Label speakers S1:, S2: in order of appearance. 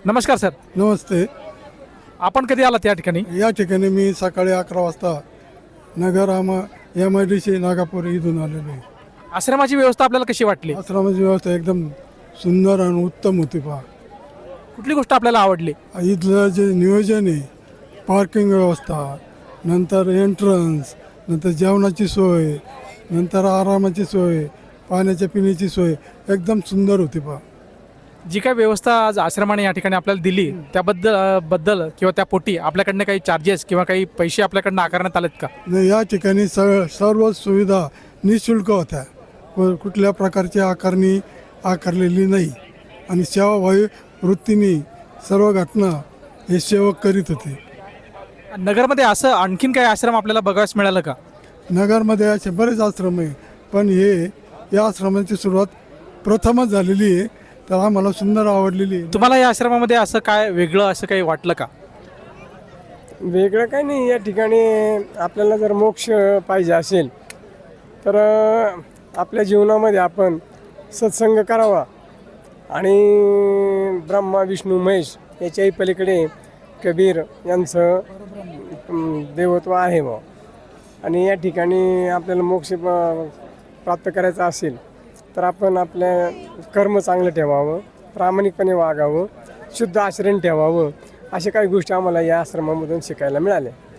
S1: नमस्कार सर.
S2: नमस्ते.
S1: आपण कधी आलात या ठिकाणी?
S2: या ठिकाणी मी सकाळी 11 वाजता नगर MIDC नागापूर इथून आलेलो आहे.
S1: आश्रमाची व्यवस्था आपल्याला कशी वाटली?
S2: आश्रमाची व्यवस्था एकदम सुंदर आणि उत्तम होती पहा.
S1: कुठली गोष्ट आपल्याला आवडली?
S2: इथलं जे नियोजन आहे, पार्किंग व्यवस्था, नंतर एंट्रन्स, नंतर जेवणाची सोय, नंतर आरामाची सोय, पाण्याच्या पिण्याची सोय एकदम सुंदर होती पहा.
S1: जी काही व्यवस्था आज आश्रमाने या ठिकाणी आपल्याला दिली त्याबद्दल किंवा त्या पोटी आपल्याकडनं काही चार्जेस किंवा काही पैसे आपल्याकडनं आकारण्यात आलेत का?
S2: न या ठिकाणी सर्व सुविधा निशुल्क होत्या. कुठल्या प्रकारची आकारणी आकारलेली नाही आणि सेवाभावी वृत्तीने सर्व घटना हे सेवक करीत होते.
S1: नगरमध्ये असं आणखीन काही आश्रम आपल्याला बघायला मिळालं का?
S2: नगरमध्ये असे बरेच आश्रम आहे, पण या आश्रमाची सुरुवात प्रथमच झालेली आहे, तर आम्हाला सुंदर आवडलेली आहे.
S1: तुम्हाला या आश्रमामध्ये असं काय वेगळं असं काही वाटलं का?
S3: वेगळं काही नाही. या ठिकाणी आपल्याला जर मोक्ष पाहिजे असेल तर आपल्या जीवनामध्ये आपण सत्संग करावा आणि ब्रह्मा विष्णू महेश याच्याही पलीकडे कबीर यांचं देवत्व आहे बा. आणि या ठिकाणी आपल्याला मोक्ष प्राप्त करायचा असेल तर आपण आपल्या कर्म चांगलं ठेवावं, प्रामाणिकपणे वागावं, शुद्ध आचरण ठेवावं. अशा काही गोष्टी आम्हाला या आश्रमामधून शिकायला मिळाल्या.